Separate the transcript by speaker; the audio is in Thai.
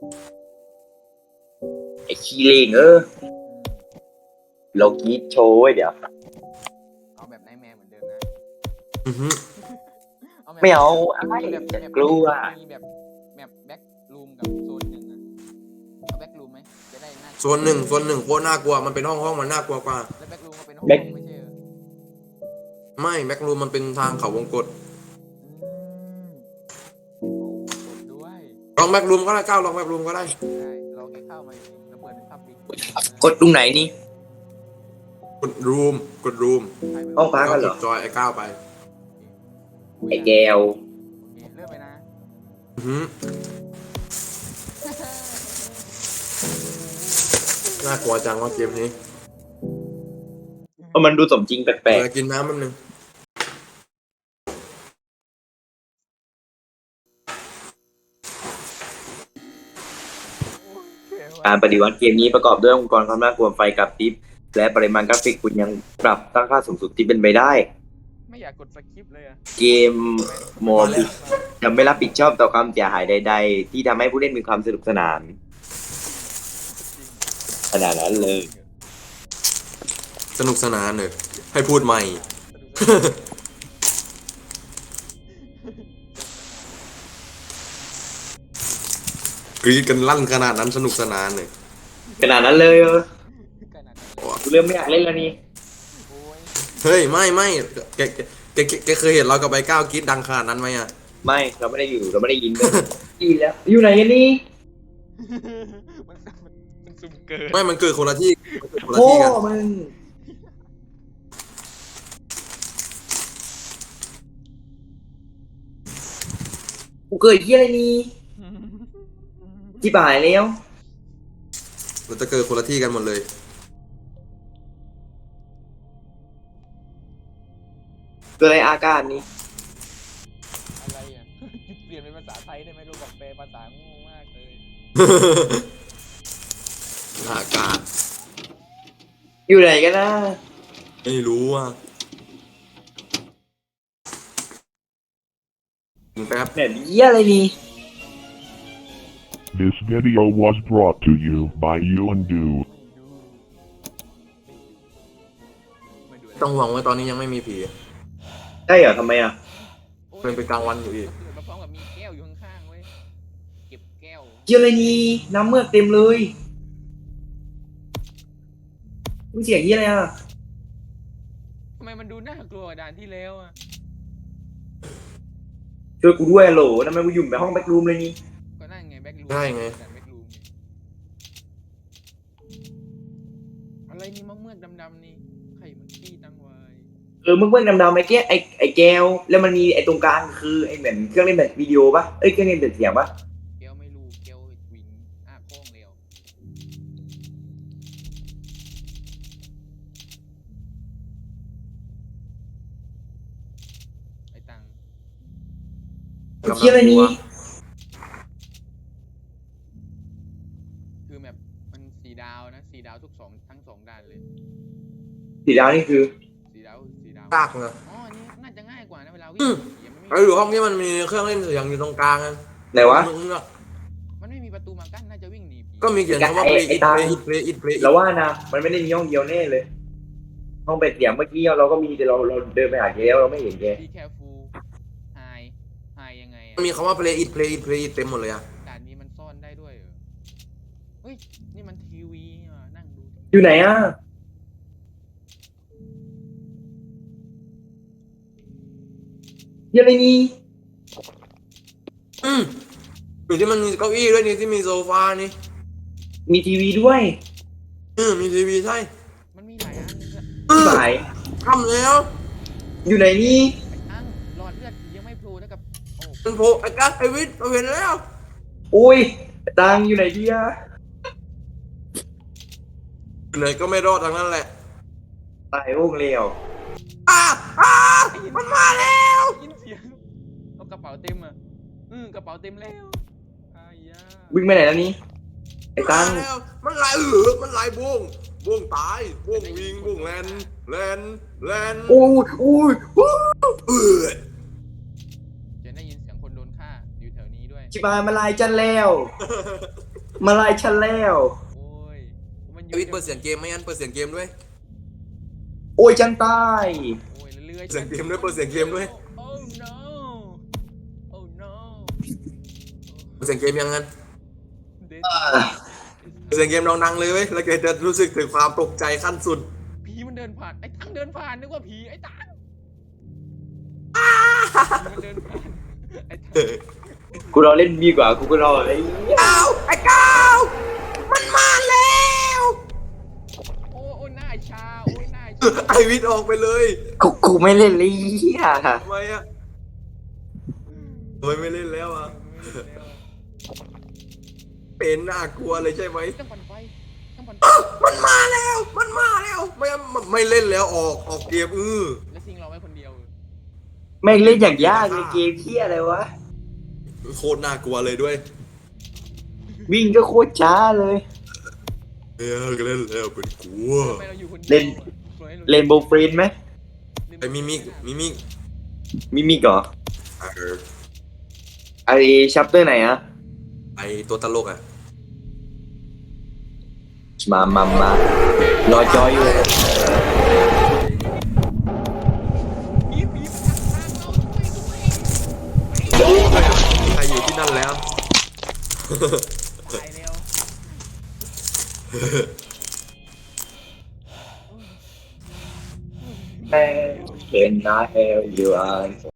Speaker 1: ไอ้ขี้เลงเรากรีดโชว์ไว้เดี๋ยว
Speaker 2: เอาแบบไนท์แมร์เหมือนเดิมนะ
Speaker 3: อือฮึ
Speaker 1: ไม่เอาอะไร
Speaker 2: แบบ
Speaker 1: จะกลัว
Speaker 2: มีแบบแบ็กรูมกับโซนหนึ่งอะเอาแบ็กรูมไหมจะได้น่า
Speaker 3: โซนหนึ่งโคตรน่ากลัวมันเป็นห้องมันน่ากลัวกว่า
Speaker 2: แล้วแบ็กรูมก็เป็นห้องไม่ใช่เหรอ
Speaker 3: ไม่แบ็กรูมมันเป็นทางเขาวงกต
Speaker 2: โอ้กดด้วย
Speaker 3: ลองแบ็กรูมก็ได้ก้าวลองแบ็กรูมก็ได้
Speaker 2: ได้ลองแกเข้ามาแล้วเปิดเป็นภาพบิ๊ก
Speaker 1: กดตรงไหนนี่
Speaker 3: กดรูม
Speaker 1: ห้องพักกันเหรอ
Speaker 3: กดจอยไอ้ก้าวไป
Speaker 1: ไอ้แก้ว
Speaker 2: โอเคเริ่มไปนะ
Speaker 3: อือฮึน่ากลัวจังว่าเกมนี้
Speaker 1: มันดูสมจริงแปลก
Speaker 3: เดี๋ยวกินน้ำแป๊บนึง
Speaker 1: ๆการปฏิวัติเกมนี้ประกอบด้วยองค์กรความน่ากลัวไฟกับทิปและปริมาณกราฟิกคุณยังปรับตั้งค่าสูงสุดที่เป็นไปได้
Speaker 2: ไม่อยากกดสคริปต์เลยอะ
Speaker 1: เกมโมบิยังไม่รับผิดชอบต่อความเสียหายใดๆที่ทำให้ผู้เล่นมีความสนุกสนานขนาดนั้นเลย
Speaker 3: สนุกสนานเลยให้พูดใหม่ กรีดกันลั่นขนาดนั้นสนุกสนานเลย
Speaker 1: ขนาดนั้นเลย
Speaker 2: ขนาดนั้นเลย
Speaker 1: กูเริ่มไม่อยากเล่นแล้วนี่
Speaker 2: โอ้ย
Speaker 3: เฮ้ยไม่แกเคยเห็นเรากับไอ้ก้าวกรีดดังขนาดนั้นไหมอะ
Speaker 1: ไม่เราไม่ได้อยู่เราไม่ได้ยินเลยดีแล้วอยู่ไหนกันนี่
Speaker 2: มันซุ่มเกิน
Speaker 3: ไม่มันเกิดคนละที่คนละ
Speaker 1: โอ้
Speaker 3: ที่กัน
Speaker 1: มึงกูเกิดที่อะไรนี่ที่บ่ายแล้ว
Speaker 3: มันจะเกิดคนละที่กันหมดเลย
Speaker 1: เกิดอะไรอาการนี้
Speaker 2: อะไรอ่ะ เปลี่ยนเป็นภาษาไทยได้ไหมรู้บอกแปลภาษาโง่มากเลย
Speaker 3: อากาศ
Speaker 1: อยู่ไหนกันนะ
Speaker 3: ไม่รู้อ่ะแป๊บ
Speaker 1: เนี่ยเยี่ยอะไรนี่
Speaker 4: This video was brought to you by you and do.
Speaker 2: ไม่ดู
Speaker 3: ต้องหวังว่าตอนนี้ยังไม่มีผี
Speaker 1: ใช่เหรอทำไมอ่ะ
Speaker 3: มันเป็นกลางวันอยู่อีก
Speaker 2: มาพร้อมกับมีแก้วอยู่ข้างๆเว้ยเก็บแก้ว
Speaker 1: เยี่ยอะไรนี่น้ำเมือกเต็มเลยมึงเสียงเยี่ยอะไรอ่ะ
Speaker 2: ทำไมมันดูน่ากลัวกว่าด่านที่แล้วอ่ะ
Speaker 1: ช่วยกูด้วยโหลทำไมกูอยู่ในห้องแบ็กรูมเลยนี่
Speaker 2: ก็นั่นไงแบ็กรูม
Speaker 3: ได้ไง
Speaker 2: ด่านแบ็กรูมไงอะไรนี่มะเมือกดำๆนี่ไข่มันขี้ตั้งไว้
Speaker 1: มึงเพิ่งดำๆไอ้แก้ไอ้แก้วแล้วมันมีไอ้ตรงกลางคือไอ้เหมือนเครื่องเล่นแบบวิดีโอปะเครื่องเล่นแบบเสียงปะ
Speaker 2: แก้วไม่รู้แก้ววิงอ้าโค้งเร็วไอ้ตัง
Speaker 1: เยี่ยอะไรนี่
Speaker 2: คือแบบมัน4 ดาวนะ4 ดาวทั้งสองด่านเลย
Speaker 1: สีดาวนี่คือ
Speaker 2: 4 ดาว
Speaker 3: ยากนะ
Speaker 2: อ๋ออันนี้น่าจะง่ายกว่านะเวลาวิ่
Speaker 3: อื
Speaker 2: ง
Speaker 3: ม
Speaker 2: ยังไม่
Speaker 3: เราอยู่ห้องที่มันมีเครื่องเล่นเสียงอยู่ตรงกลางกัน
Speaker 1: ไหนวะ
Speaker 2: มันไม่มีประตูมากั้นน่าจะวิ่งหนีผี
Speaker 3: ก็มีเขียนคำว่า play it play it play it play it
Speaker 1: เราว่านะมันไม่ได้มีห้องเดียวแน่เลย ห้องเป็ดเสียงเมื่อกี้เราก็มีแต่เราเดินไปหาแกแล้วเราไม่เห็นแก
Speaker 2: ดีแคฟูไฮยังไง
Speaker 3: มันมีคำว่า play it play it play it เต็มหมดเลยอะ
Speaker 2: ด่านนี้มันซ่อนได้ด้วยเหรอเฮ้ยนี่มันทีวีอ่ะนั่งดู
Speaker 1: อยู่ไหนอ่ะเยี่ยอะไรนี่
Speaker 3: อยู่ที่มันมีเก้าอี้ด้วยนี่ที่มีโซฟานี่
Speaker 1: มีทีวีด้วย
Speaker 3: มีทีวีใช่
Speaker 2: มันมีหลายอันเลยอะ
Speaker 1: สาย
Speaker 3: ทำแล้ว
Speaker 1: อยู่ไหนนี่
Speaker 2: ไอ้อังหลอดเลือดยังไม่โผล่นะกับโอ้
Speaker 3: มันโผล่ไอ้กัสไอ้วิทย์เราเห็นแล้ว
Speaker 1: โอ้ยตังอยู่ไหนดีอะ
Speaker 3: อยู่ไหนก็ไม่รอดทั้งนั้นแหละ
Speaker 1: ตายโอ่งเลว
Speaker 3: อ้ามันมาแล้ว
Speaker 2: ยินเสียงเอากระเป๋าเต็มอ่ะกระเป๋าเต็มแล้วอายา
Speaker 1: วิ่งไปไหนแล้วนี่ไอ้ตัง
Speaker 3: มาแล้วมันไหลมันไหลบ้วงตายบ้วงวิงบ้วงแลน
Speaker 1: โอ้ยโอ้ย
Speaker 3: เออ
Speaker 2: จะได้ยินเสียงคนโดนฆ่าอยู่แถวนี้ด้วย
Speaker 1: จิบายมาลายฉันแล้วมาลายฉันแล้ว
Speaker 2: โอ้ยมันอ
Speaker 3: เด
Speaker 2: ยู่
Speaker 3: วิดเปิดเสียงเกมไหมงั้นเปิดเสียงเกมด้วย
Speaker 1: โอ้ยฉันตาย
Speaker 2: โอ้ยเรื่อยๆ
Speaker 3: เสียงเกมด้วยเปิดเสียงเกมด้วย
Speaker 2: โอ้ no โอ้ no
Speaker 3: เปิดเสียงเกมยังงั้น
Speaker 2: เด็ด
Speaker 3: เปิดเสียงเกมดังๆเลยเว้ยแล้วแกจะรู้สึกถึงความตกใจขั้นสุด
Speaker 2: ผีมันเดินผ่านไอ้ตังเดินผ่านนึกว่าผีไอ้ตังมันเดินผ่านไอ้ตัง
Speaker 1: กูรอเล่นดีกว่ากูก็รอไอ้
Speaker 3: ก้าวไอ้ก้าวมันมาแล้ว
Speaker 2: โอ้ยหน้าชาโอ้ยหน้าชา
Speaker 3: ไอวิทย์ออกไปเลย
Speaker 1: กูไม่เล่นเลยเหี้ย
Speaker 3: ทำไมอะทำไมไม่เล่นแล้วอะเป็นน่ากลัวเลยใช่ไหม
Speaker 2: ต้องปั่นไฟต้องปั่นไฟ
Speaker 3: มันมาแล้วไม่เล่นแล้วออกเกม
Speaker 2: แล้วซิงเราไว้คนเดียว
Speaker 1: แม่งเล่นอย่างยากเลยเกมเหี้ยอะไรวะ
Speaker 3: โคตรน่ากลัวเลยด้วย
Speaker 1: วิ่งก็โคตรช้าเลย
Speaker 3: เล่นแล้วเป็นกลัว
Speaker 2: ทำไมเราอยู่คนเดียว
Speaker 1: เล่น เล่นโบว์ฟรีนไหม
Speaker 3: ไอ้มิมิก
Speaker 1: มิมิกเหรอไอชัปเตอร์ไหนอะ
Speaker 3: ไอตัวตลกอะ
Speaker 1: มารอจอยอยู่
Speaker 2: ผีผีมันทางเราด้วย
Speaker 3: ใครอยู่ที่นั่นแล้ว
Speaker 2: ตายแล้ว
Speaker 1: แม่เป็นนาเฮลยูอัน